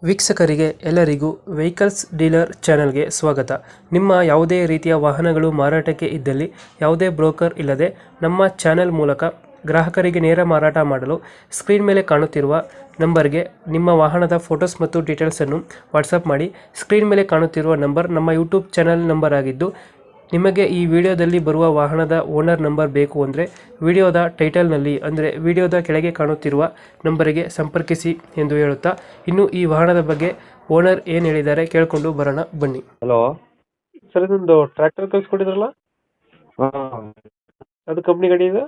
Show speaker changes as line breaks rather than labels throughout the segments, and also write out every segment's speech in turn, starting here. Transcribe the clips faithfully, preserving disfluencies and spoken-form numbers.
ವೀಕ್ಷಕರಿಗೆ ಎಲ್ಲರಿಗೂ vehicles dealer ಚಾನೆಲ್ಗೆ ಸ್ವಾಗತ. ನಿಮ್ಮ ಯಾವುದೇ ರೀತಿಯ ವಾಹನಗಳು ಮಾರಾಟಕ್ಕೆ ಇದ್ದಲ್ಲಿ ಯಾವುದೇ ಬ್ರೋಕರ್ ಇಲ್ಲದೆ ನಮ್ಮ ಚಾನೆಲ್ ಮೂಲಕ ಗ್ರಾಹಕರಿಗೆ ನೇರ ಮಾರಾಟ ಮಾಡಲು ಸ್ಕ್ರೀನ್ ಮೇಲೆ ಕಾಣುತ್ತಿರುವ ನಂಬರ್ಗೆ ನಿಮ್ಮ ವಾಹನದ ಫೋಟೋಸ್ ಮತ್ತು ಡೀಟೇಲ್ಸನ್ನು ವಾಟ್ಸಪ್ ಮಾಡಿ. ಸ್ಕ್ರೀನ್ ಮೇಲೆ ಕಾಣುತ್ತಿರುವ ನಂಬರ್ ನಮ್ಮ ಯೂಟ್ಯೂಬ್ ಚಾನೆಲ್ ನಂಬರ್ ಆಗಿದ್ದು, ನಿಮಗೆ ಈ ವಿಡಿಯೋದಲ್ಲಿ ಬರುವ ವಾಹನದ ಓನರ್ ನಂಬರ್ ಬೇಕು ಅಂದರೆ ವಿಡಿಯೋದ ಟೈಟಲ್ನಲ್ಲಿ ಅಂದರೆ ವಿಡಿಯೋದ ಕೆಳಗೆ ಕಾಣುತ್ತಿರುವ ನಂಬರಿಗೆ ಸಂಪರ್ಕಿಸಿ ಎಂದು ಹೇಳುತ್ತಾ, ಇನ್ನು ಈ ವಾಹನದ ಬಗ್ಗೆ ಓನರ್ ಏನು ಹೇಳಿದ್ದಾರೆ ಕೇಳಿಕೊಂಡು ಬರೋಣ ಬನ್ನಿ.
ಹಲೋ
ಸರ್, ಇದೊಂದು ಟ್ರ್ಯಾಕ್ಟರ್ ಕಳ್ಸ್ಕೊಟ್ಟಿದ್ರಲ್ಲ,
ಹಾಂ
ಅದು ಕಂಪ್ನಿ ಗಾಡಿ ಇದೆ?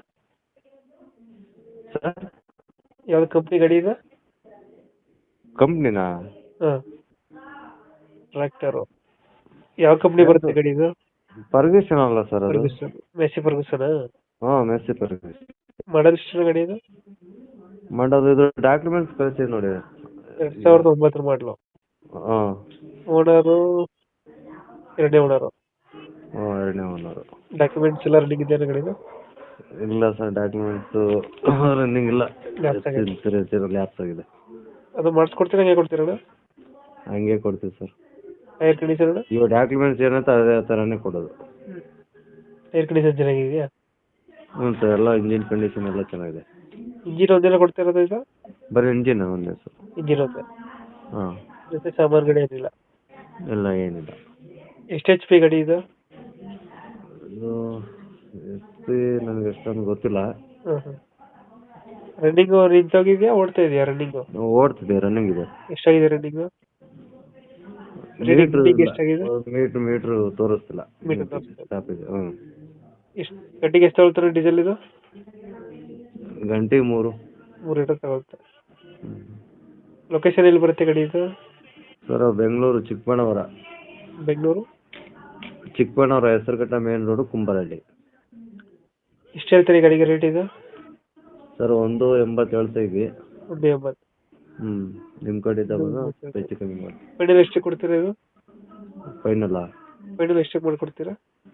ಸರ್,
ಯಾವ್ದು ಕಂಪ್ನಿ ಗಾಡಿ ಇದೆ?
ಕಂಪ್ನಿನಾ?
ಹಾಂ, ಟ್ರ್ಯಾಕ್ಟರು ಯಾವ ಕಂಪ್ನಿ ಬರುತ್ತೆ ಗಾಡಿ ಇದು?
ಫರ್ಗ್ಯೂಸನ್ ಅಲ್ಲ ಸರ್ ಅದು?
Ferguson, Massey Ferguson.
ಹಾಂ, ಮೆಸ್ಸಿ ಫರ್ಗ್ಯೂಸನ್.
ಮಾಡಲ್ ಎಷ್ಟು ಗಾಡಿ ಇದು?
ಮಾಡೋದು ಇದು ಡಾಕ್ಯುಮೆಂಟ್ಸ್ ಕಳಿಸಿ ನೋಡಿ.
ಎರಡ್ ಸಾವಿರದ ಒಂಬತ್ತರ ಮಾಡಲು.
ಹಾಂ
ಓನರು ಎರಡನೇ ಓನರು.
ಹಾಂ, ಎರಡನೇ ಓನರು.
ಡಾಕ್ಯುಮೆಂಟ್ಸ್ ಎಲ್ಲ ರನ್ನಿಂಗ್ ಇದೆಯಾ ಗಾಡಿದು?
ಇಲ್ಲ ಸರ್, ಡಾಕ್ಯುಮೆಂಟ್ಸು ರನ್ನಿಂಗ್ ಇಲ್ಲ,
ಲ್ಯಾಪ್ಸ್ ಆಗಿದೆ.
ಲ್ಯಾಪ್ಸ್ ಆಗಿದೆ.
ಅದು ಮಾಡಿಸ್ಕೊಡ್ತೀರಾ, ಹೇಗೆ ಕೊಡ್ತೀರಣ್ಣ?
ಹಂಗೆ ಕೊಡ್ತೀವಿ ಸರ್.
ಟೈರ್ ಕಂಡೀಷನ್ ಅಣ್ಣ?
ಇವಾಗ ಡಾಕ್ಯುಮೆಂಟ್ಸ್ ಏನಂತ ಅದೇ ಥರನೇ ಕೊಡೋದು.
ಟೈರ್ ಕಂಡೀಷನ್ ಚೆನ್ನಾಗಿದೆಯಾ?
ಹ್ಞೂ ಸರ್, ಎಲ್ಲ ಇಂಜಿನ್ ಕಂಡೀಷನ್ ಎಲ್ಲ ಚೆನ್ನಾಗಿದೆ.
ಇಂಜಿನ್ ಒಂದೆಲ್ಲ ಕೊಡ್ತಾ ಇರೋದು ಇದು?
ಬರೀ ಇಂಜಿನ್ ಒಂದೇ ಸರ್.
ಇಂಜಿನ್ ಒಂದೇ?
ಹಾಂ,
ಜೊತೆ ಸಾಮಾನುಗಳು ಏನಿಲ್ಲ?
ಎಲ್ಲ ಏನಿಲ್ಲ.
ಎಷ್ಟು ಎಚ್ ಪಿ ಗಾಡಿ ಇದು?
ಇದು ಎಸ್ ಪಿ ನನಗೆ ಎಷ್ಟೊಂದು ಗೊತ್ತಿಲ್ಲ.
ಹಾಂ ಹಾಂ. ರನ್ನಿಂಗು ನಿಂತೋಗಿದೆಯಾ, ಓಡ್ತಾ ಇದೆಯಾ ರನ್ನಿಂಗು?
ಓಡ್ತಿದೆ, ರನ್ನಿಂಗ್ ಇದೆ.
ಎಷ್ಟಾಗಿದೆ ರನ್ನಿಂಗು?
ಮೀಟ್ರ್
ಎಷ್ಟಾಗಿದೆ?
ಮೀಟ್ರ್ ಮೀಟ್ರ್ ತೋರಿಸ್ತಿಲ್ಲ.
ಮೀಟರ್ ತೋರಿಸ್ತಿಲ್ಲ.
ಸ್ಟಾಪ್ ಇದೆ. ಹ್ಞೂ.
ಎಷ್ಟು ಗಂಟೆಗೆ ಎಷ್ಟು ತಗೊಳ್ತಾರೆ ಡೀಸೆಲ್ ಇದು?
ಗಂಟೆಗೆ ಮೂರು
ಮೂರು ಲೀಟರ್ ತಗೊಳುತ್ತೆ. ಲೊಕೇಶನ್ ಎಲ್ಲಿ ಬರುತ್ತೆ ಗಾಡಿ ಇದು?
Sir, Bengaluru Chikkaballapur.
Bengaluru
Chikkaballapur Hesaraghatta main road, Kumbarahalli.
ಎಷ್ಟು ಹೇಳ್ತೀರಿ ಗಾಡಿಗೆ ರೇಟ್ ಇದು?
ಸರ್, ಒಂದು ಎಂಬತ್ತು ಹೇಳ್ತಾ ಇದ್ವಿ.
ಒಂದು ಎಂಬತ್ತು.
ಹ್ಞೂ, ನಿಮ್ಮ ಕಡೆ ಇದ್ದಾಗ ಹೆಚ್ಚು ಕಮ್ಮಿ ಮಾಡಿ.
ಫೈನಲ್ ಎಷ್ಟು ಕೊಡ್ತೀರಾ ಇದು?
ಫೈನಲ್ಲ?
ಫೈನಲ್ ಎಷ್ಟಕ್ಕೆ ಮಾಡಿಕೊಡ್ತೀರಾ?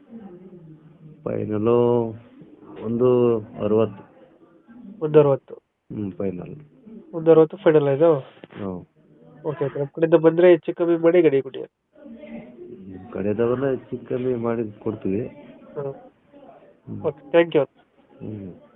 ಫೈನಲು ಒಂದು ಅರವತ್ತು.
ಒಂದು ಅರವತ್ತು?
ಹ್ಞೂ, ಫೈನಲ್
ಒಂದು ಅರವತ್ತು ಫೈನಲ್ ಇದು?
ಹ್ಞೂ.
Okay okay. ನಮ್ಮ ಕಡೆಯಿಂದ ಬಂದರೆ ಹೆಚ್ಚು ಕಮ್ಮಿ ಮಾಡಿ ಗಾಡಿ ಕೊಡಿ.
ನಿಮ್ಮ ಕಡೆದವೆಲ್ಲ ಹೆಚ್ಚು ಕಮ್ಮಿ ಮಾಡಿ ಕೊಡ್ತೀವಿ.
ಹಾಂ, ಓಕೆ, ಥ್ಯಾಂಕ್ ಯು.
ಹ್ಞೂ.